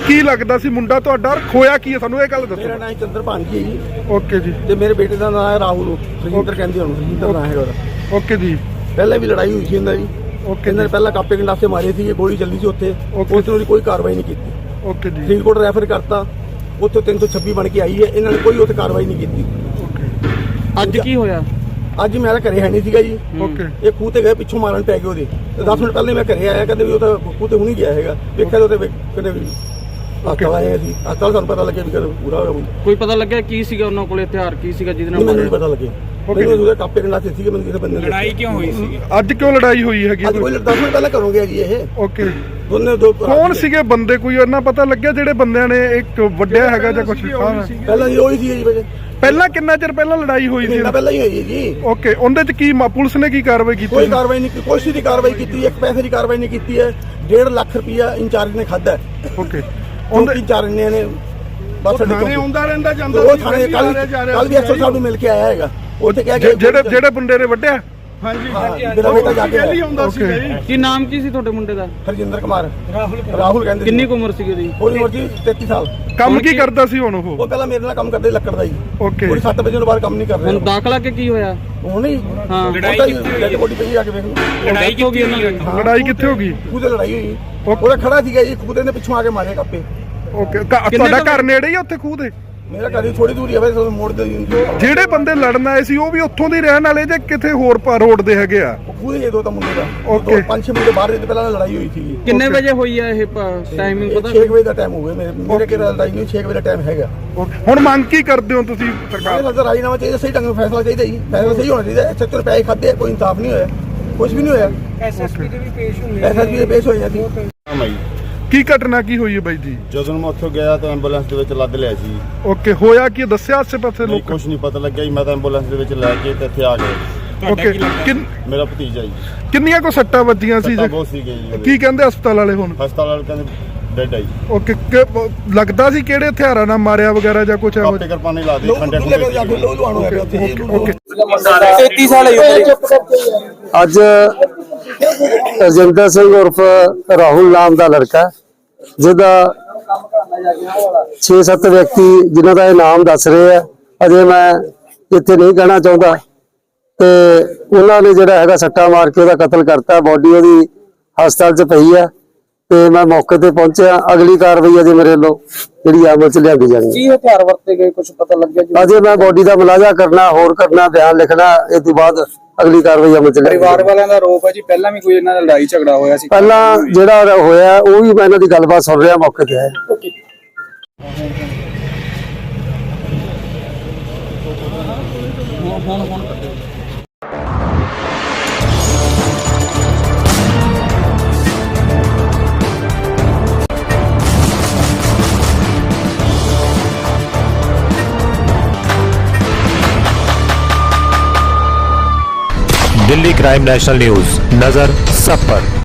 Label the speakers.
Speaker 1: ਕੀ ਲੱਗਦਾ ਸੀ ਮੁੰਡਾ ਤੁਹਾਡਾ? ਖੋਇਆ ਕੀ ਹੈ ਸਾਨੂੰ ਇਹ ਗੱਲ ਦੱਸੋ।
Speaker 2: ਮੇਰਾ ਨਾਮ ਚੰਦਰ ਭਾਂਜੀ ਹੈ ਜੀ।
Speaker 1: ਓਕੇ ਜੀ।
Speaker 2: ਤੇ ਮੇਰੇ ਬੇਟੇ ਦਾ ਨਾਮ ਹੈ ਰਾਹੁਲ, ਰਜਿੰਦਰ ਕਹਿੰਦੇ ਉਹਨੂੰ, ਰਜਿੰਦਰ ਨਾਮ ਹੈ ਉਹਦਾ।
Speaker 1: ਓਕੇ ਜੀ।
Speaker 2: ਪਹਿਲਾਂ ਵੀ ਲੜਾਈ ਹੋਈ ਸੀ ਇਹਨਾਂ ਦੀ।
Speaker 1: ਓਕੇ।
Speaker 2: ਇਹਨਾਂ ਨੇ ਪਹਿਲਾਂ ਕਾਪੇ ਗੰਡਾਸੇ ਮਾਰੇ ਸੀ, ਗੋਲੀ ਚੱਲੀ ਸੀ ਉੱਥੇ। ਉਸ ਨੂੰ ਕੋਈ ਕਾਰਵਾਈ ਨਹੀਂ ਕੀਤੀ।
Speaker 1: ਓਕੇ ਜੀ।
Speaker 2: ਫਰੀਦਕੋਟ ਰੈਫਰ ਕਰਤਾ, ਉੱਥੇ 326 ਬਣ ਕੇ ਆਈ ਹੈ। ਇਹਨਾਂ ਨੇ ਕੋਈ ਉੱਥੇ ਕਾਰਵਾਈ ਨਹੀਂ ਕੀਤੀ।
Speaker 3: ਅੱਜ ਕੀ ਹੋਇਆ?
Speaker 2: ਅੱਜ ਮੇਰਾ ਘਰੇ ਹੈ ਨਹੀਂ ਸੀਗਾ ਜੀ।
Speaker 1: ਓਕੇ।
Speaker 2: ਇਹ ਖੂਹ ਤੇ ਗਏ, ਪਿੱਛੋਂ ਮਾਰਨ ਪੈ ਗਏ ਉਹਦੇ। 10 ਮਿੰਟ ਪਹਿਲੇ ਮੈਂ ਘਰੇ ਆਇਆ, ਕਹਿੰਦੇ ਵੀ ਉਹ ਤਾਂ ਖੂਹ ਤੇ ਹੁਣੀ ਗਿਆ ਹੈਗਾ। ਵੇਖਿਆ ਉਹਦੇ ਕਹਿੰਦੇ ਵੀ ਹਸਪਤਾਲ ਆਏ ਸੀ। ਹਸਪਤਾਲ ਸਾਨੂੰ ਪਤਾ ਲੱਗਿਆ ਵੀ ਕਦੇ ਪੂਰਾ ਹੋ ਗਿਆ।
Speaker 3: ਕੋਈ ਪਤਾ ਲੱਗਿਆ ਕੀ ਸੀਗਾ ਉਹਨਾਂ ਕੋਲ, ਹਥਿਆਰ ਕੀ ਸੀਗਾ ਜਿਹਦੇ ਨਾਲ
Speaker 2: ਮੈਨੂੰ ਨਹੀਂ ਪਤਾ ਲੱਗਿਆ। ਮੈਨੂੰ ਉਹਦੇ ਕਾਪੇ ਗੰਡਾਸੇ ਸੀਗੇ। ਮੈਨੂੰ ਕਿਸੇ ਬੰਦੇ ਨੇ
Speaker 4: ਲੜਾਈ ਕਿਉਂ ਹੋਈ ਸੀ?
Speaker 1: ਅੱਜ ਕਿਉਂ ਲੜਾਈ ਹੋਈ ਹੈਗੀ?
Speaker 2: ਅੱਜ ਕੋਈ 10 ਮਿੰਟ ਪਹਿਲਾਂ ਕਰੋਗੇ ਜੀ ਇਹ।
Speaker 1: ਓਕੇ।
Speaker 2: ਦੋ
Speaker 1: ਕੌਣ ਸੀਗੇ ਬੰਦੇ? ਕੋਈ ਉਹਨਾਂ ਪਤਾ ਲੱਗਿਆ ਜਿਹੜੇ ਬੰਦਿਆਂ ਨੇ ਇੱਕ ਵੱਡਿਆ ਹੈਗਾ ਜਾਂ ਕੁਝ?
Speaker 2: ਪਹਿਲਾਂ ਜੀ ਉਹੀ ਸੀ ਜੀ। ਵਜੇ
Speaker 1: ਪਹਿਲਾਂ ਕਿੰਨਾ ਚਿਰ ਪਹਿਲਾਂ ਲੜਾਈ ਹੋਈ ਸੀ?
Speaker 2: ਮਹੀਨਾ ਪਹਿਲਾਂ ਹੀ ਹੋਈ ਜੀ।
Speaker 1: ਓਕੇ। ਉਹਦੇ ਚ ਕੀ ਪੁਲਿਸ ਨੇ ਕੀ ਕਾਰਵਾਈ ਕੀਤੀ?
Speaker 2: ਕੋਈ ਕਾਰਵਾਈ ਨਹੀਂ, ਕੋਈ ਦੀ ਕਾਰਵਾਈ ਕੀਤੀ। ਇੱਕ ਪੈਸੇ ਦੀ ਕਾਰਵਾਈ ਨਹੀਂ ਕੀਤੀ ਹੈ। 1.5 ਲੱਖ ਰੁਪਇਆ ਇੰਚਾਰਜ ਨੇ ਖਾਦਾ।
Speaker 1: ਓਕੇ।
Speaker 2: ਉਹਦੇ ਇੰਚਾਰਜ ਨੇ ਬਸ
Speaker 1: ਥਾਣੇ ਆਉਂਦਾ ਰਹਿੰਦਾ ਜਾਂਦਾ।
Speaker 2: ਉਹ ਥਾਣੇ ਕੱਲ ਵੀ ਐਸਓ ਸਾਹਿਬ ਨੂੰ ਮਿਲ ਕੇ ਆਇਆ ਹੈਗਾ। ਉੱਥੇ ਕਹਿ ਕੇ
Speaker 1: ਜਿਹੜੇ ਮੁੰਡੇ ਨੇ ਵੱਢਿਆ।
Speaker 2: ਹਾਂਜੀ। ਮੇਰਾ ਬੇਟਾ ਜਾ ਕੇ ਆਉਂਦਾ ਸੀ।
Speaker 3: ਕੀ ਨਾਮ ਕੀ ਸੀ ਤੁਹਾਡੇ ਮੁੰਡੇ ਦਾ?
Speaker 2: ਹਰਜਿੰਦਰ ਕੁਮਾਰ। ਰਾਹੁਲ ਕਹਿੰਦੇ।
Speaker 3: ਕਿੰਨੀ ਕੁ ਉਮਰ ਸੀ ਉਹਦੀ?
Speaker 2: ਉਹਦੀ ਉਮਰ ਜੀ 33 ਸਾਲ।
Speaker 1: ਕੰਮ ਕੀ ਕਰਦਾ ਸੀ ਹੁਣ ਉਹ?
Speaker 2: ਉਹ ਪਹਿਲਾਂ ਮੇਰੇ ਨਾਲ ਕੰਮ ਕਰਦੇ ਲੱਕੜ ਦਾ ਜੀ।
Speaker 1: ਓਕੇ।
Speaker 2: ਪੂਰੀ 7 ਵਜੇ ਤੋਂ ਬਾਅਦ ਕੰਮ ਨਹੀਂ ਕਰ
Speaker 3: ਹੁਣ
Speaker 2: ਰਿਹਾ।
Speaker 3: ਦਾਖਲਾ ਕਿ ਕੀ ਹੋਇਆ?
Speaker 2: ਉਹ ਨਹੀਂ।
Speaker 3: ਹਾਂ।
Speaker 2: ਲੜਾਈ ਬੋਡੀ ਪਈ ਜਾ ਕੇ ਵੇਖ ਲਓ।
Speaker 3: ਲੜਾਈ ਹੋ ਗਈ ਉਹਨਾਂ ਦੀ?
Speaker 1: ਲੜਾਈ ਕਿੱਥੇ ਹੋ ਗਈ?
Speaker 2: ਖੂਹ ਤੇ ਲੜਾਈ ਹੋਈ। ਉਹਦਾ ਖੜਾ ਸੀਗਾ ਜੀ ਖੂਹ ਦੇ ਪਿੱਛੋਂ ਆ ਕੇ ਮਾਰੇ ਕਾਪੇ।
Speaker 1: ਓਕੇ। ਤੁਹਾਡਾ ਘਰ ਨੇੜੇ ਹੀ ਉੱਥੇ ਖੂਹ ਦੇ?
Speaker 2: ਮੇਰਾ ਘਰ ਥੋੜੀ ਦੂਰ ਹੀ ਹੈ, ਵੈਸੇ ਮੋੜ ਦੇ।
Speaker 1: ਜਿਹੜੇ ਬੰਦੇ ਲੜਨ ਆਏ ਸੀ ਉਹ ਵੀ ਉੱਥੋਂ ਦੇ ਰਹਿਣ ਵਾਲੇ ਜਾਂ ਕਿਤੇ ਹੋਰ ਰੋਡ ਦੇ ਹੈਗੇ ਆ?
Speaker 2: ਖੂਹ ਦੇ ਦੋ ਤਾਂ ਮੁੰਡੇ ਦਾ।
Speaker 1: ਓਕੇ।
Speaker 2: 5-6 ਮਿੰਟ ਬਾਹਰ ਦੇ ਪਹਿਲਾਂ ਲੜਾਈ ਹੋਈ ਸੀ।
Speaker 3: ਕਿੰਨੇ ਵਜੇ ਹੋਈ ਹੈ ਇਹ ਟਾਈਮਿੰਗ ਪਤਾ?
Speaker 2: 6 ਵਜੇ ਦਾ ਟਾਈਮ ਹੋ ਗਿਆ। ਮੇਰੇ ਕੋਲ ਲੜਾਈ ਨਹੀਂ, 6 ਵਜੇ ਦਾ ਟਾਈਮ ਹੈਗਾ।
Speaker 1: ਹੁਣ ਮੰਗ ਕੀ ਕਰਦੇ ਹੋ ਤੁਸੀਂ ਸਰਕਾਰ?
Speaker 2: ਸਰਕਾਰ ਰਾਜੀਨਾਮਾ ਚਾਹੀਦਾ, ਸਹੀ ਢੰਗ ਨਾਲ ਫੈਸਲਾ ਚਾਹੀਦਾ ਜੀ। ਫੈਸਲਾ ਸਹੀ ਹੋਣਾ ਚਾਹੀਦਾ। 76 ਰੁਪਏ ਖਾਦੇ, ਕੋਈ ਇਨਸਾਫ ਨਹੀਂ ਹੋਇਆ, ਕੁਝ ਵੀ ਨਹੀਂ ਹੋਇਆ। ਐਸਐਸਪੀ ਦੇ ਵੀ ਪੇਸ਼ ਹੋਏ ਸੀ।
Speaker 1: ਕੀ ਘਟਨਾ ਕੀ ਹੋਈ ਹੈ ਬਾਈ ਜੀ?
Speaker 5: ਜਦੋਂ ਮੈਂ ਉੱਥੋਂ ਗਿਆ ਤਾਂ ਐਂਬੂਲੈਂਸ ਦੇ ਵਿੱਚ ਲੱਦ ਲਿਆ ਸੀ।
Speaker 1: ਓਕੇ। ਹੋਇਆ ਕੀ ਦੱਸਿਆ ਆਸੇ ਪਾਸੇ ਲੋਕ?
Speaker 5: ਕੁਝ ਨਹੀਂ ਪਤਾ ਲੱਗਿਆ ਜੀ। ਮੈਂ ਤਾਂ ਐਂਬੂਲੈਂਸ ਦੇ ਵਿੱਚ ਲੈ ਕੇ ਤੇ ਇੱਥੇ ਆ ਗਿਆ।
Speaker 1: ਓਕੇ।
Speaker 5: ਮੇਰਾ ਭਤੀਜਾ ਜੀ।
Speaker 1: ਕਿੰਨੀਆਂ ਕੋ ਸੱਟਾਂ ਵੱਜੀਆਂ ਸੀ?
Speaker 5: ਬਹੁਤ ਸੀਗੇ ਜੀ।
Speaker 1: ਕੀ ਕਹਿੰਦੇ ਹਸਪਤਾਲ ਵਾਲੇ ਹੁਣ?
Speaker 5: ਹਸਪਤਾਲ ਵਾਲੇ ਕਹਿੰਦੇ ਡੈਡ ਆ ਜੀ।
Speaker 1: ਓਕੇ। ਲੱਗਦਾ ਸੀ ਕਿਹੜੇ ਹਥਿਆਰਾਂ ਨਾਲ ਮਾਰਿਆ ਵਗੈਰਾ ਜਾਂ ਕੁਝ?
Speaker 5: ਕਾਪੇ ਕਿਰਪਾਨੇ ਲਾ ਦੇ ਖੰਡੇ
Speaker 1: ਓਕੇ।
Speaker 3: 33 ਸਾਲ
Speaker 6: ਅੱਜ ਰਜਿੰਦਰ ਸਿੰਘ ਉਰਫ ਰਾਹੁਲ ਨਾਮ ਦਾ ਲੜਕਾ, ਜਿਹਦਾ 6-7 ਵਿਅਕਤੀ ਜਿਨ੍ਹਾਂ ਦਾ ਇਹ ਨਾਮ ਦੱਸ ਰਹੇ ਆ, ਅਜੇ ਮੈਂ ਇੱਥੇ ਨਹੀਂ ਕਹਿਣਾ ਚਾਹੁੰਦਾ, ਤੇ ਉਹਨਾਂ ਨੇ ਜਿਹੜਾ ਹੈਗਾ ਸੱਟਾ ਮਾਰ ਕੇ ਉਹਦਾ ਕਤਲ ਕਰਤਾ। ਬੋਡੀ ਉਹਦੀ ਹਸਪਤਾਲ 'ਚ ਪਈ ਹੈ ਤੇ ਮੈਂ ਮੌਕੇ ਤੇ ਪਹੁੰਚਿਆ। ਅਗਲੀ ਕਾਰਵਾਈ ਅਜੇ ਮੇਰੇ ਵੱਲੋਂ ਜਿਹੜੀ ਅਮਲ 'ਚ ਲਿਆਂਦੀ ਜਾਣੀ ਹੈ।
Speaker 3: ਕੀ ਹਥਿਆਰ ਵਰਤੇ ਗਏ ਕੁਝ ਪਤਾ ਲੱਗਿਆ ਜੀ?
Speaker 6: ਅਜੇ ਮੈਂ ਬੋਡੀ ਦਾ ਮੁਲਾਜ਼ਾ ਕਰਨਾ, ਹੋਰ ਕਰਨਾ, ਬਿਆਨ ਲਿਖਣਾ, ਇਹ ਤੋਂ ਬਾਅਦ ਅਗਲੀ ਕਾਰਵਾਈ ਅਮਲ 'ਚ ਲਿਆਂਦੀ।
Speaker 4: ਪਰਿਵਾਰ ਵਾਲਿਆਂ ਦਾ ਆਰੋਪ ਹੈ ਜੀ ਪਹਿਲਾਂ ਵੀ ਕੋਈ ਇਹਨਾਂ ਦਾ ਲੜਾਈ ਝਗੜਾ ਹੋਇਆ ਸੀ।
Speaker 6: ਪਹਿਲਾਂ ਜਿਹੜਾ ਹੋਇਆ ਉਹ ਵੀ ਮੈਂ ਇਹਨਾਂ ਦੀ ਗੱਲਬਾਤ ਸੁਣ ਰਿਹਾ, ਮੌਕੇ ਤੇ ਆਇਆ।
Speaker 7: दिल्ली क्राइम नेशनल न्यूज, नजर सब पर।